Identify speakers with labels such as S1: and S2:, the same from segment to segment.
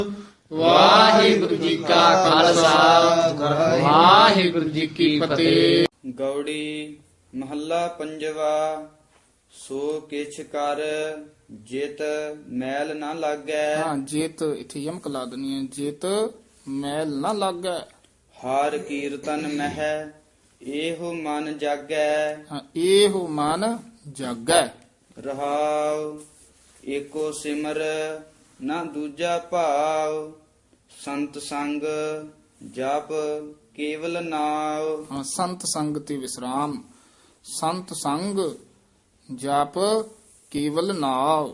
S1: ਵਾਹਿਗੁਰੂ ਜੀ ਕਾ ਖਾਲਸਾ ਵਾਹਿਗੁਰੂ ਜੀ ਕੀ ਫਤਿਹ।
S2: ਗੌੜੀ ਮਹੱਲਾ ਪੰਜਵਾ। ਸੋ ਕਿਛ ਕਰ ਜਿਤ ਮੈਲ ਨਾ ਲਾਗੈ।
S1: ਹਾਂ, ਜੇਤ ਇੱਥੇ ਯਮਕ ਲਾ ਦੇਣੀ ਹੈ। ਜੇਤ ਮੈਲ ਨਾ ਲੱਗੈ।
S2: ਹਰ ਕੀਰਤਨ ਮਹਿ ਇਹੋ ਮਨ ਜਾਗੈ।
S1: ਹਾਂ, ਇਹੋ ਮਨ ਜਾਗੈ।
S2: ਰਹਾਉ ਏਕੋ ਸਿਮਰ ਨਾ ਦੂਜਾ ਭਾਵ। ਸੰਤ ਸੰਗ ਜਪ ਕੇਵਲ ਨਾਉ।
S1: ਹਾਂ, ਸੰਤ ਸੰਗ ਤੇ ਵਿਸਰਾਮ। ਸੰਤ ਸੰਗ ਜਪ ਕੇਵਲ ਨਾਉ।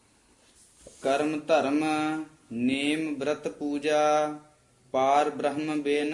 S2: ਕਰਮ ਧਰਮ ਨੇਮ ਬ੍ਰਤ ਪੂਜਾ। ਪਾਰ ਬ੍ਰਹਮ ਬਿਨ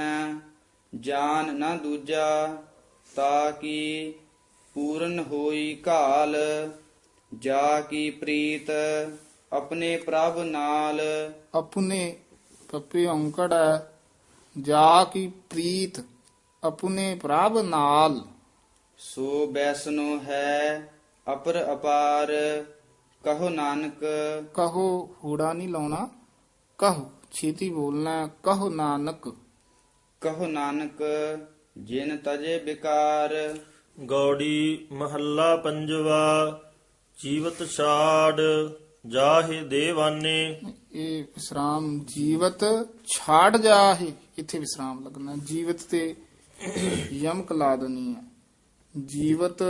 S2: ਜਾਨ ਨਾ ਦੂਜਾ। ਤਾ ਕੀ ਪੂਰਨ ਹੋਈ ਕਾਲ। ਜਾ ਕੀ ਪ੍ਰੀਤ ਆਪਣੇ ਪ੍ਰਭ ਨਾਲ।
S1: ਆਪਣੇ ਪੱਪੇ ਔਂਕੜ ਹੈ। ਜਾ ਕੀ ਪ੍ਰੀਤ ਆਪਣੇ ਪ੍ਰਭ ਨਾਲ।
S2: ਸੋ ਬੈਸਨੋ ਹੈ ਅਪਰ ਅਪਾਰ। ਕਹੋ ਨਾਨਕ
S1: ਕਹੋ ਹੂੜਾ ਨਹੀਂ ਲਾਉਣਾ। ਕਹੋ ਛੇਤੀ ਬੋਲਣਾ ਹੈ। ਕਹੋ ਨਾਨਕ।
S2: ਕਹੋ ਨਾਨਕ ਜਿਨ ਤਜੇ ਬਿਕਾਰ।
S3: ਗੌੜੀ ਮਹੱਲਾ ਪੰਜਵਾ। ਜੀਵਤ ਛਾੜ ਜਾਹੇ ਦੇਵਾਨੇ।
S1: ਇਹ ਵਿਸਰਾਮ ਜੀਵਤ ਛਾੜ ਜਾਹੇ। ਇੱਥੇ ਵਿਸਰਾਮ ਲੱਗਣਾ। ਜੀਵਤ ਤੇ ਯਮਕ ਲਾ ਦੇਣੀ ਹੈ। ਜੀਵਤ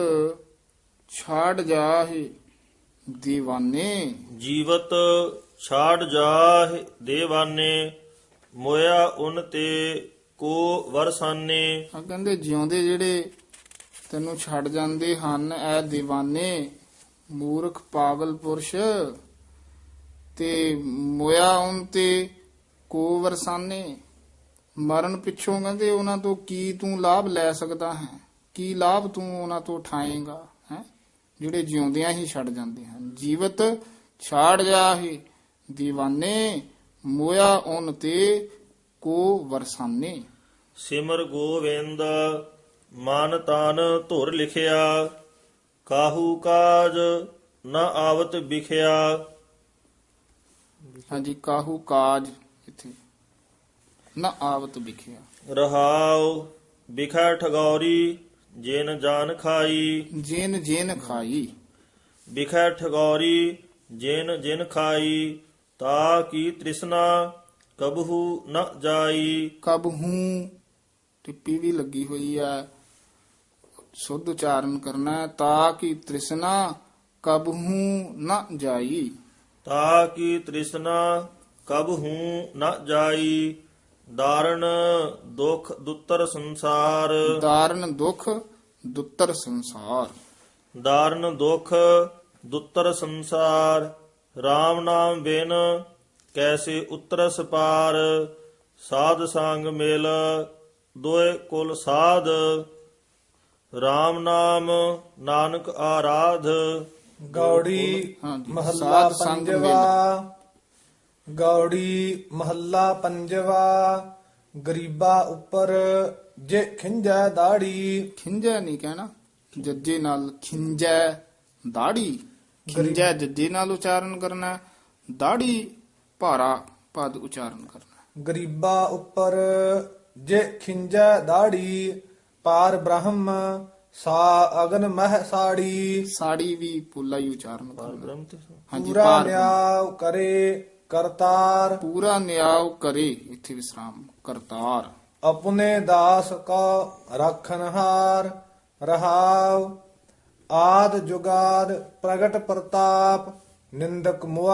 S1: ਛਾੜ ਜਾਹੇ ਦੀਵਾਨੇ।
S3: ਜੀਵਤ ਛਾੜ ਜਾਹੇ ਦੇਵਾਨੇ। ਮੋਇਆ ਉਨ ਤੇ ਕੋ ਵਰਸਾਨੇ।
S1: ਆ ਕਹਿੰਦੇ ਜਿਉਂਦੇ ਜਿਹੜੇ ਤੈਨੂੰ ਛੱਡ ਜਾਂਦੇ ਹਨ ਐ دیਵਾਨੇ। ਮੂਰਖ ਪਾਗਲ ਪੁਰਸ਼ ਤੇ ਮੋਇਆ ਉਨ ਤੇ ਕੋ ਵਰਸਾਨੇ। ਮਰਨ ਪਿੱਛੋਂ ਕਹਿੰਦੇ ਉਹਨਾਂ ਤੋਂ ਕੀ ਤੂੰ ਲਾਭ ਲੈ ਸਕਦਾ ਹੈ। ਕੀ ਲਾਭ ਤੂੰ ਉਹਨਾਂ ਤੋਂ ਉਠਾਏਗਾ ਹੈ। ਜਿਹੜੇ ਜਿਉਂਦਿਆਂ ਹੀ ਛੱਡ ਜਾਂਦੇ ਹਨ। ਜੀਵਤ ਛਾੜ ਜਾਹੇ دیਵਾਨੇ। ਮੋਇਆ ਉਨ ਤੇ ਕੋ ਵਰਸਾਨੇ।
S3: ਸਿਮਰ ਗੋਵਿੰਦ ਮਨ ਤਨ ਧੁਰ ਲਿਖਿਆ। ਕਾਹੂ ਕਾਜ ਨ ਆਵਤ ਵਿਖਿਆ।
S1: ਹਾਂਜੀ, ਕਾਹੂ ਕਾਜ ਇੱਥੇ ਨਾ ਆਵਤ ਵਿਖਿਆ।
S3: ਰਹਾਉ ਵਿਖੈ ਠਗੌਰੀ ਜਿਨ ਜਾਨ ਖਾਈ।
S1: ਜੇਨ ਜੇਨ ਖਾਈ।
S3: ਵਿਖੈ ਠਗੌਰੀ ਜਿਨ ਜਿਨ ਖਾਈ। ਤਾ ਕੀ ਤ੍ਰਿਸ਼ਨਾ ਕਬਹੂ ਨ ਜਾਈ।
S1: ਕਬ ਹੂੰ ਟਿੱਪੀ ਵੀ ਲੱਗੀ ਹੋਈ ਹੈ। ਸ਼ੁੱਧ ਉਚਾਰਨ ਕਰਨਾ ਹੈ। ਤਾ ਕੀ ਤ੍ਰਿਸ਼ਨਾ ਕਬ ਹੂੰ ਨਾ ਜਾਈ।
S3: ਤਾ ਕੀ ਤ੍ਰਿਸ਼ਨਾ ਕਬਹੂ ਨ ਜਾਈ। ਦਾਰਣ ਦੁਖ ਦੁੱਤਰ ਸੰਸਾਰ।
S1: ਦਾਰਨ ਦੁਖ ਦੁੱਤਰ ਸੰਸਾਰ।
S3: ਦਾਰਨ ਦੁਖ ਦੁੱਤਰ ਸੰਸਾਰ। RAM ਨਾਮ ਬਿਨ ਕੈਸੇ ਉਤਰਸ ਪਾਰ। ਸਾਧ ਸੰਗ ਮਿਲ ਦੋਇ ਕੁਲ ਸਾਧ। RAM ਨਾਮ ਨਾਨਕ ਆਰਾਧ।
S4: ਗੌੜੀ
S1: ਹਾਂਜੀ,
S4: ਮਹੱਲਾ
S1: ਸਾਧ ਸੰਗ
S4: ਪੰਜਵਾ। ਗੌੜੀ ਮਹੱਲਾ ਪੰਜਵਾ। ਗਰੀਬਾ ਉੱਪਰ ਜੇ ਖਿੰਜੈ ਦਾੜੀ।
S1: ਖਿੰਜੈ ਨਹੀਂ ਕਹਿਣਾ। ਜੱਜੇ ਨਾਲ ਖਿੰਜੈ ਦਾੜੀ। ਖਿੰਜੈ ਜੱਜੇ ਨਾਲ ਉਚਾਰਨ ਕਰਨਾ। ਦਾੜੀ ਭਾਰਾ ਪਦ ਉਚਾਰਨ ਕਰਨਾ।
S4: ਗਰੀਬਾ ਉੱਪਰ ਜੇ ਖਿੰਜੈ ਦਾੜੀ। ਪਾਰ ਬ੍ਰਹਮ ਸਾ ਅਗਨ ਮਹਿ ਸਾੜੀ।
S1: ਸਾੜੀ ਵੀ ਪੋਲਾ ਹੀ ਉਚਾਰਨ ਕਰਨਾ।
S3: ਬ੍ਰਹਮ ਤੇ
S1: ਹਾਂਜੀ,
S4: ਪੂਰਾ
S1: ਪਾਰ
S4: ਨਿਆਉ ਕਰੇ ਕਰਤਾਰ।
S1: ਪੂਰਾ ਨਿਆਉ ਕਰੇ। ਇੱਥੇ ਵਿਸਰਾਮ। ਕਰਤਾਰ।
S4: ਆਪਣੇ ਦਾਸ ਕਾ ਰੱਖਨਹਾਰ। ਰਹਾਉ ਆਦ ਜੁਗਾਦ ਪ੍ਰਗਟ ਪ੍ਰਤਾਪ। ਨਿੰਦਕ ਮੁਆ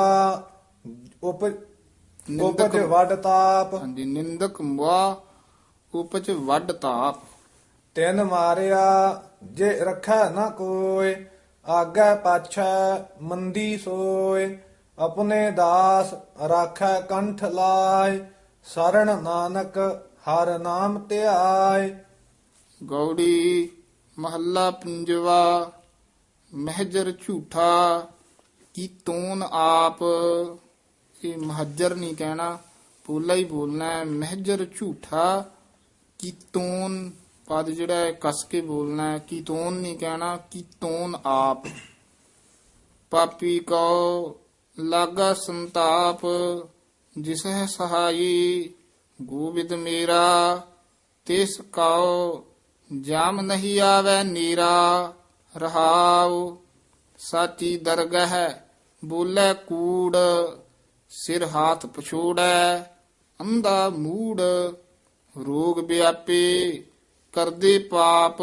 S4: ਉਪਜ ਵੱਡ ਤਾਪ।
S1: ਹਾਂਜੀ, ਨਿੰਦਕ ਮੁਆ ਉਪਜ ਵੱਡ ਤਾਪ।
S4: ਤਿਨ ਮਾਰਿਆ ਜੇ ਰੱਖੈ ਨਾ ਕੋਇ। ਆਗੈ ਪਾਛੈ ਮੰਦੀ ਸੋਇ। ਆਪਣੇ ਦਾਸ ਰਾਖੈ ਕੰਠ ਲਾਇ। ਸਰਣ ਨਾਨਕ ਹਰ ਨਾਮ ਧਿਆਇ।
S1: ਗੌੜੀ ਮਹੱਲਾ ਪੰਜਵਾ। ਮਹਿਜਰ ਝੂਠਾ ਕੀ ਤੂਨ ਆਪ। ਇਹ ਮਹਜਰ ਨਹੀਂ ਕਹਿਣਾ। ਪੋਲਾ ਹੀ ਬੋਲਣਾ ਹੈ। ਮਹਿਜਰ ਝੂਠਾ ਕੀ ਤੂਨ ਪਦ ਜਿਹੜਾ ਹੈ ਕਸ ਕੇ ਬੋਲਣਾ ਹੈ। ਕੀ ਤੂਨ ਨਹੀਂ ਕਹਿਣਾ। ਕੀ ਤੂਨ ਆਪ। ਪਾਪੀ ਕੋ ਲਾਗਾ ਸੰਤਾਪ ਜਿਸ ਹੈ ਸਹਾਈ ਗੋਬਿੰਦ ਮੇਰਾ, ਤਿਸ ਕਾਉ ਜਾਮ ਨਹੀਂ ਆਵੈ ਨੀਰਾ। ਰਹਾਉ ਸਾਚੀ ਦਰਗਹ ਬੋਲੇ ਕੂੜ, ਸਿਰ ਹਾਥ ਪਛੋੜੈ ਅੰਧਾ ਮੂੜ। ਰੋਗ ਵਿਆਪੇ ਕਰਦੇ ਪਾਪ,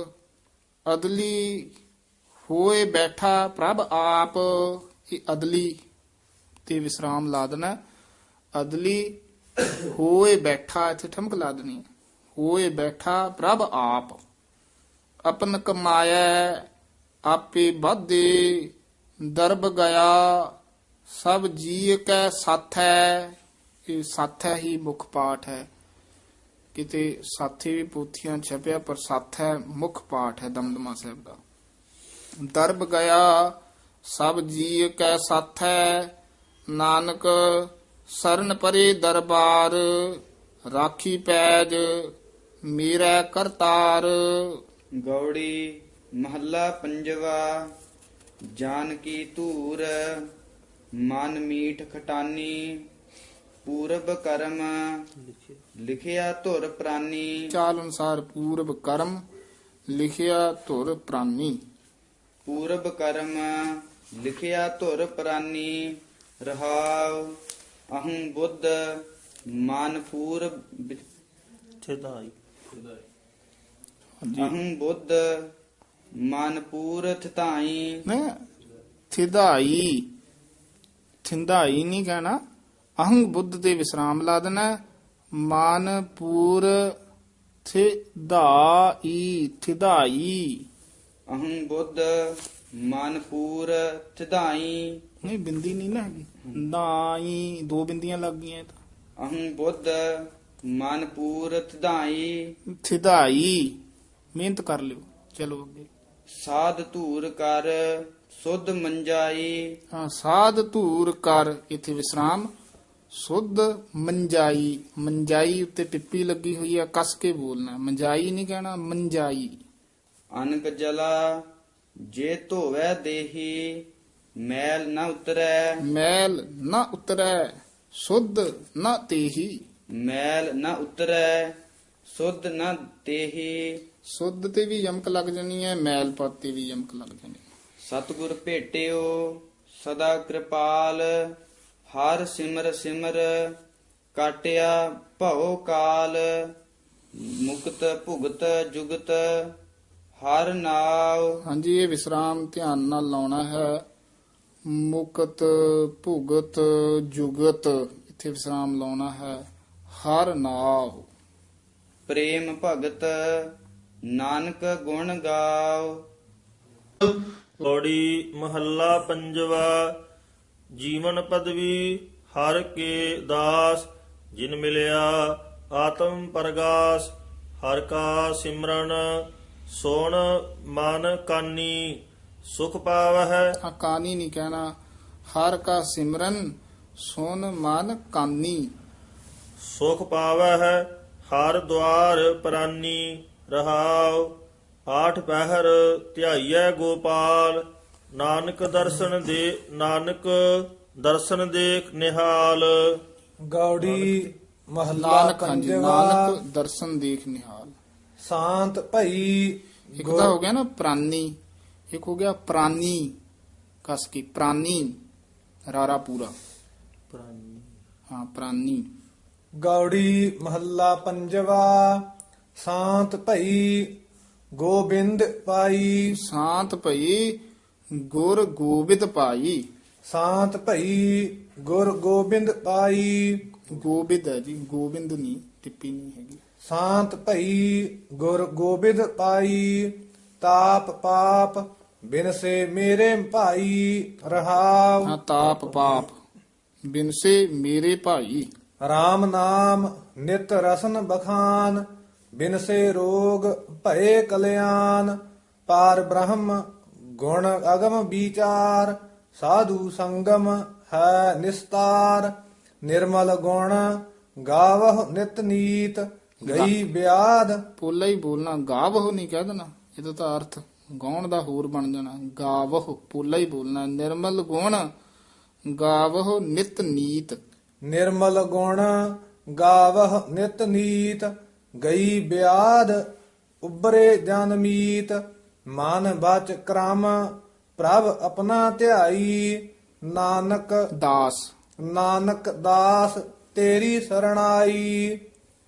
S1: ਅਦਲੀ ਹੋਏ ਬੈਠਾ ਪ੍ਰਭ ਆਪ। ਇਹ ਅਦਲੀ ਤੇ ਵਿਸਰਾਮ ਲਾ ਦੇਣਾ। ਅਦਲੀ ਹੋਏ ਬੈਠਾ, ਇੱਥੇ ਠਮਕ ਲਾ ਦੇਣੀ। ਹੋਏ ਬੈਠਾ ਪ੍ਰਭ ਆਪ, ਆਪਨ ਕਮਾਇਆ ਆਪੇ ਵਾਧੇ। ਦਰਬ ਗਿਆ ਸਭ ਜੀਅ ਕੈ ਸਾਥੈ। ਇਹ ਸਾਥੈ ਹੀ ਮੁੱਖ ਪਾਠ ਹੈ। ਕਿਤੇ ਸਾਥੀ ਵੀ ਪੋਥੀਆਂ ਛਪਿਆ, ਪਰ ਸਾਥੈ ਮੁੱਖ ਪਾਠ ਹੈ ਦਮਦਮਾ ਸਾਹਿਬ ਦਾ। ਦਰਬ ਗਿਆ ਸਭ ਜੀਅ ਕੈ ਸਾਥੈ, ਨਾਨਕ ਸਰਨ ਪਰੇ ਦਰਬਾਰ। ਰਾਖੀ ਪੈਜ ਮੇਰਾ ਕਰਤਾਰ।
S2: ਗੌੜੀ ਮਹੱਲਾ ਪੰਜਵਾ। ਜਾਨਕੀ ਧੂਰ ਮਨ ਮੀਠ ਖਟਾਨੀ, ਪੂਰਬ ਕਰਮ ਲਿਖਿਆ ਧੁਰ ਪ੍ਰਾਨੀ।
S1: ਚਾਲ ਅਨੁਸਾਰ ਪੂਰਬ ਕਰਮ ਲਿਖਿਆ ਧੁਰ ਪ੍ਰਾਨੀ।
S2: ਪੂਰਬ ਕਰਮ ਲਿਖਿਆ ਧੁਰ ਪ੍ਰਾਨੀ। ਰਹਾਉ ਅਹੰ ਬੁੱਧ ਮਨ ਪੂਰਬ
S3: ਥਿਦਾਈ
S2: ਅਹੰ ਬੁੱਧ ਮਨ ਪੂਰ ਥਿਤਾਈ।
S1: ਥਿਦਾਈ, ਥਿੰਦਾਈ ਨਹੀਂ ਕਹਿਣਾ। ਅਹੰ ਬੁੱਧ ਤੇ ਵਿਸਰਾਮ ਲਾ ਦੇਣਾ। ਮਾਨਪੂਰ ਥਿਦਾਈ, ਥਿਦਾਈ
S2: ਅਹੰ ਬੁੱਧ ਮਨ ਪੂਰ ਥਿਤਾਈ।
S1: ਨਹੀਂ, ਬਿੰਦੀ ਨਹੀਂ ਨਾ ਹੈਗੀ। ਨਾਈ ਦੋ ਬਿੰਦੀਆਂ ਲੱਗ ਗਈਆਂ। ਇਹ ਤਾਂ
S2: ਅਹੰ ਬੁੱਧ ਮਨ ਪੂਰ ਥਿਤਾਈ।
S1: ਥਿਦਾਈ, ਮਿਹਨਤ ਕਰ ਲਿਓ। ਚਲੋ ਅੱਗੇ।
S2: ਸਾਧ ਧੂਰ ਕਰ ਸੁਧ ਮੰਜਾਈ।
S1: ਹਾਂ, ਸਾਧ ਧੂਰ ਕਰ, ਇੱਥੇ ਵਿਸਰਾਮ। ਸੁਧ ਮੰਜਾਈ, ਮੰਜਾਈ ਉੱਤੇ ਟਿੱਪੀ ਲੱਗੀ ਹੋਈ ਹੈ, ਕੱਸ ਕੇ ਬੋਲਣਾ। ਮੰਜਾਈ ਨਹੀਂ ਕਹਿਣਾ, ਮੰਜਾਈ।
S2: ਅਨਕ ਜਲਾ ਜੇ ਧੋਵੈ ਦੇਹੀ, ਮੈਲ ਨ ਉਤਰੈ।
S1: ਮੈਲ ਨਾ ਉਤਰੈ ਸੁਧ ਨਾ ਤੇਹੀ।
S2: ਮੈਲ ਨ ਉਤਰੈ ਸੁਧ ਨ ਤੇਹੀ।
S1: ਸੁਧ ਤੇ ਵੀ ਯਮਕ ਲੱਗ ਜਾਣੀ ਹੈ, ਮੈਲ ਪਦ ਤੇ ਵੀ ਯਮਕ ਲੱਗ ਜਾਣੀ ਹੈ।
S2: ਸਤਿਗੁਰ ਭੇਟਿਓ ਸਦਾ ਕਿਰਪਾਲ, ਹਰ ਸਿਮਰ ਸਿਮਰ ਕਾਟਿਆ ਭਉ ਕਾਲ। ਮੁਕਤ ਭੁਗਤ ਜੁਗਤ ਹਰ ਨਾਉ।
S1: ਹਾਂਜੀ, ਇਹ ਵਿਸਰਾਮ ਧਿਆਨ ਨਾਲ ਲਾਉਣਾ ਹੈ। ਮੁਕਤ ਭੁਗਤ ਜੁਗਤ, ਇੱਥੇ ਵਿਸਰਾਮ ਲਾਉਣਾ ਹੈ। ਹਰ ਨਾਉ।
S2: ਪ੍ਰੇਮ ਭਗਤ ਨਾਨਕ ਗੁਣ ਗਾਓ।
S3: ਪੌੜੀ ਮਹੱਲਾ ਪੰਜਵਾ। ਜੀਵਨ ਪਦਵੀ ਹਰ ਕੇ ਦਾਸ, ਜਿਨ ਮਿਲਿਆ ਆਤਮ ਪਰਗਾਸ। ਹਰ ਕਾ ਸਿਮਰਨ ਸੋਣ ਮਨ ਕਾਨੀ, ਸੁਖ ਪਾਵਹਿ।
S1: ਕਾਨੀ ਨਹੀਂ ਕਹਿਣਾ। ਹਰ ਕਾ ਸਿਮਰਨ ਸੁਨ ਮਨ ਕਾਨੀ।
S3: ਸੁਖ ਪਾਵਹਿ ਹਰ ਦੁਆਰ ਪ੍ਰਾਨੀ। ਰਹਾਉ ਆਠ ਪਹਿਰ ਧਿਆਈਐ ਗੋਪਾਲ, ਨਾਨਕ ਦਰਸ਼ਨ ਦੇਖ ਨਿਹਾਲ।
S4: ਗੌੜੀ ਮਹੱਲਾ
S1: ਨਾਨਕ, ਹਾਂਜੀ,
S4: ਪੰਜਵਾ।
S1: ਨਾਨਕ ਦਰਸ਼ਨ ਦੇਖ ਨਿਹਾਲ।
S4: ਸ਼ਾਂਤ ਭਈ
S1: ਇੱਕ ਤਾਂ ਹੋ ਗਿਆ ਨਾ ਪ੍ਰਾਨੀ, ਇੱਕ ਹੋ ਗਿਆ ਪ੍ਰਾਨੀ। ਕਸ ਕੀ ਪ੍ਰਾਨੀ, ਰਾਰਾ ਪੂਰਾ। ਹਾਂ, ਪ੍ਰਾਨੀ।
S4: ਗੌੜੀ ਮਹੱਲਾ ਪੰਜਵਾ। ਸ਼ਾਂਤ ਭਈ ਗੋਬਿੰਦ ਪਾਈ।
S1: ਸ਼ਾਂਤ ਭਈ ਗੁਰ ਗੋਬਿੰਦ ਪਾਈ।
S4: ਸ਼ਾਂਤ ਭਈ ਗੁਰ ਗੋਬਿੰਦ ਪਾਈ।
S1: ਗੋਬਿੰਦ ਹੈ ਜੀ, ਗੋਬਿੰਦ ਨਹੀਂ, ਟਿੱਪੀ ਨਹੀਂ ਹੈਗੀ।
S4: ਸ਼ਾਂਤ ਭਈ ਗੁਰ ਗੋਬਿੰਦ ਪਾਈ। ਤਾਪ ਪਾਪ ਬਿਨਸੇ ਮੇਰੇ ਭਾਈ। ਰਹਾਉ
S1: ਹਾਂ, ਤਾਪ ਪਾਪ ਬਿਨਸੇ ਮੇਰੇ ਭਾਈ।
S4: RAM ਨਾਮ ਨਿਤ ਰਸਨ ਬਖਾਨ। ਬਿਨਸੇ ਰੋਗ ਭਏ ਕਲਿਆਣ। ਪਾਰ ਬ੍ਰਹਮ ਗੁਣ ਅਗਮ ਵਿਚਾਰ। ਸਾਧੂ ਸੰਗਮ ਹੈ ਨਿਸਤਾਰ। ਨਿਰਮਲ ਗੁਣ ਗਾਵਹੁ ਨਿਤ ਨੀਤ। ਗਈ ਬਿਆਦ।
S1: ਪੋਲਾ ਹੀ ਬੋਲਣਾ, ਗਾਵਹੁ ਨਹੀਂ ਕਹਿ ਦੇਣਾ। ਇਹਦਾ ਤਾਂ ਅਰਥ ਗਾਉਣ ਦਾ ਹੋਰ ਬਣ ਜਾਣਾ। ਗਾਵਹੁ ਪੋਲਾ ਹੀ ਬੋਲਣਾ। ਨਿਰਮਲ ਗੁਣ ਗਾਵਹੁ ਨਿਤ ਨੀਤ।
S4: ਨਿਰਮਲ ਗੁਣ ਗਾਵਹ ਨਿਤ ਨੀਤ ਗਈ ਬਿਆਦ ਉਬਰੇ ਜਨ ਮੀਤ ਮਨ ਬਚ ਕ੍ਰਮ ਪ੍ਰਭ ਆਪਣਾ ਧਿਆਈ ਨਾਨਕ ਦਾਸ ਤੇਰੀ ਸਰਣਾਈ।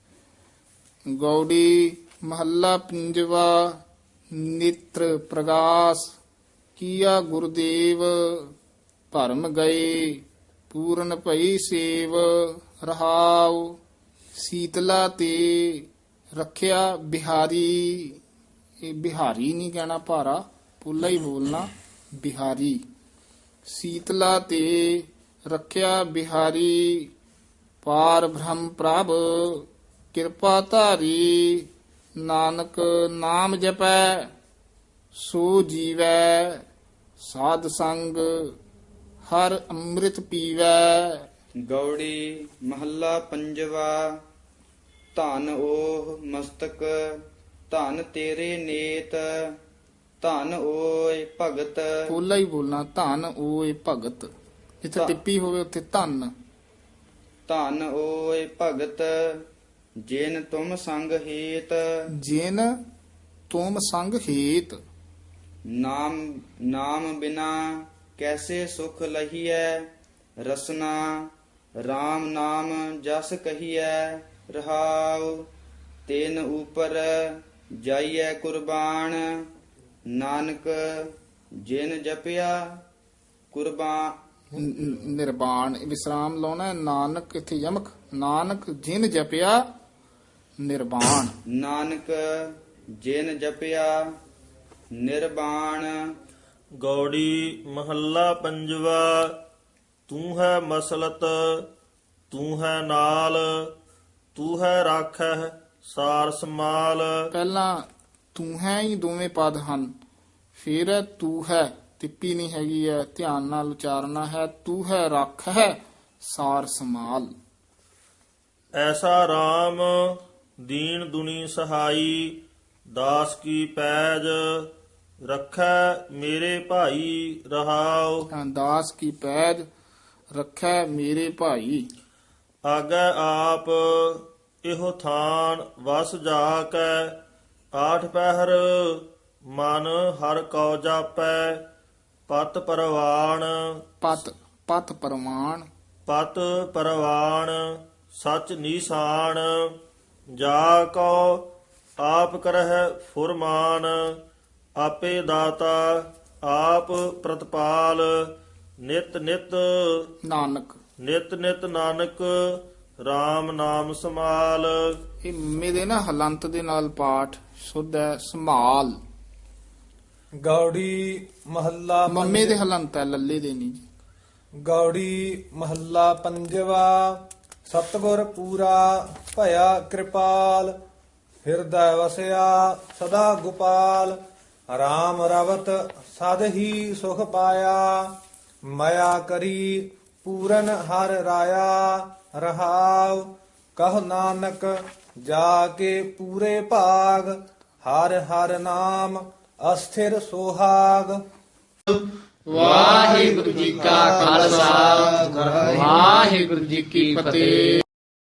S1: ਗੌੜੀ ਮਹੱਲਾ ਪੰਜਵਾ। ਨੇਤਰ ਪ੍ਰਗਾਸ ਕੀਆ ਗੁਰਦੇਵ ਭਰਮ ਗਏ ਪੂਰਨ ਭਈ ਸੇਵ ਰਹਾਉ। ਸੀਤਲਾ ਤੇ ਰੱਖਿਆ ਬਿਹਾਰੀ, ਇਹ ਬਿਹਾਰੀ ਨਹੀਂ ਕਹਿਣਾ ਭਾਰਾ, ਪੁੱਲਾ ਹੀ ਬੋਲਣਾ ਬਿਹਾਰੀ। ਸੀਤਲਾ ਤੇ ਰੱਖਿਆ ਬਿਹਾਰੀ ਪਾਰ ਬ੍ਰਹਮ ਪ੍ਰਭ ਕਿਰਪਾ ਧਾਰੀ। ਨਾਨਕ ਨਾਮ ਜਪੈ ਸੋ ਜੀਵੈ ਸਾਧ ਸੰਗ ਹਰ ਅੰਮ੍ਰਿਤ ਪੀਵੈ।
S2: ਗੌੜੀ ਮਹੱਲਾ ਪੰਜਵਾ। ਧਨ ਓਹ ਮਸਤਕ ਧਨ ਤੇਰੇ ਨੇਤ ਧਨ ਓਏ ਭਗਤ।
S1: ਪੋਲਾ ਹੀ ਬੋਲਣਾ ਧਨ ਓਏ ਭਗਤ, ਜਿੱਥੇ ਟਿੱਪੀ ਹੋਵੇ ਉੱਥੇ ਧਨ।
S2: ਧਨ ਓਏ ਭਗਤ ਜਿਨ ਤੁਮ ਸੰਗ ਹੇਤ
S1: ਜਿਨ ਤੁਮ ਸੰਗ ਹੇਤ।
S2: ਨਾਮ ਬਿਨਾ ਕੈਸੇ ਸੁਖ ਲਹੀਐ ਰਸਨਾ RAM ਨਾਮ ਜਸ ਕਹੀਐ ਰਹਾਉ। ਤੈਨ ਉਪਰ ਜਾਈਐ ਕੁਰਬਾਨ ਨਾਨਕ ਜਿਨ ਜਪਿਆ ਕੁਰਬਾਨ।
S1: ਨਿਰਬਾਣ ਵਿਸਰਾਮ ਲਾਉਣਾ। ਨਾਨਕ ਇੱਥੇ ਯਮਕ, ਨਾਨਕ ਜਿਨ ਜਪਿਆ ਨਿਰਬਾਣ।
S2: ਨਾਨਕ ਜਿਨ ਜਪਿਆ ਨਿਰਬਾਣ।
S3: ਗੌੜੀ ਮਹੱਲਾ ਪੰਜਵਾ। ਤੂੰ ਹੈ ਮਸਲਤ ਤੂੰ ਹੈ ਨਾਲ ਤੂੰ ਹੈ ਰਾਖੈ ਸਾਰ ਸਮਾਲ।
S1: ਪਹਿਲਾਂ ਤੂੰ ਹੈ ਹੀ ਦੋਵੇਂ ਪਦ ਹਨ, ਫਿਰ ਹੈ ਤੂੰ ਹੈ, ਟਿੱਪੀ ਨਹੀਂ ਹੈਗੀ ਹੈ, ਧਿਆਨ ਨਾਲ ਉਚਾਰਨਾ ਹੈ। ਤੂੰ ਹੈ ਰੱਖ ਹੈ ਸਾਰ ਸਮਾਲ।
S3: ਐਸਾ RAM ਦੀਨ ਦੁਨੀ ਸਹਾਈ ਦਾਸ ਕੀ ਪੈਜ ਰੱਖੈ ਮੇਰੇ ਭਾਈ ਰਹਾਉ।
S1: ਦਾਸ ਕੀ ਪੈਜ ਰੱਖੈ ਮੇਰੇ ਭਾਈ।
S3: ਆਗੈ ਆਪ ਇਹੋ ਥਾਨ ਵਸ ਜਾ ਕੈ ਆਠ ਪਹਿਰ ਮਨ ਹਰ ਕਉ ਜਾਪੈ ਪਤ ਪਰਵਾਣ।
S1: ਪਤ ਪਰਮਾਨ।
S3: ਪਤ ਪਰਵਾਣ ਸਚ ਨੀਸਾਨ ਜਾ ਕਉ ਆਪ ਕਰਹਿ ਫੁਰਮਾਨ। ਆਪੇ ਦਾਤਾ ਆਪ ਪ੍ਰਤਪਾਲ ਨਿਤ ਨਿਤ ਨਾਨਕ RAM ਨਾਮ ਸਮਾਲ।
S1: ਇਹ ਮੰਮੇ ਦੇ ਨਾ ਹਲੰਤ ਦੇ ਨਾਲ ਪਾਠ ਸੁਧ ਹੈ ਸਮਾਲ।
S4: ਗੌੜੀ ਮਹੱਲਾ
S1: ਮੰਮੇ ਦੇ ਹਲੰਤ ਹੈ, ਲੱਲੇ ਦੇ ਨਹੀਂ ਜੀ।
S4: ਗੌੜੀ ਮਹੱਲਾ ਪੰਜਵਾ। ਸਤਿਗੁਰ ਪੂਰਾ ਭਇਆ ਕਿਰਪਾਲ ਹਿਰਦੈ ਵਸਿਆ ਸਦਾ ਗੋਪਾਲ। RAM ਰਵਤ ਸਦ ਹੀ ਸੁਖ ਪਾਇਆ ਮਾਇਆ ਕਰੀ ਪੂਰਨ ਹਰ ਰਾਇਆ ਰਹਾਉ। ਕਹ ਨਾਨਕ ਜਾ ਕੇ ਪੂਰੇ ਭਾਗ ਹਰ ਹਰ ਨਾਮ ਅਸਥਿਰ ਸੁਹਾਗ।
S1: ਵਾਹਿਗੁਰੂ ਜੀ ਕਾ ਖਾਲਸਾ ਵਾਹਿਗੁਰੂ ਜੀ ਕੀ ਫਤਿਹ।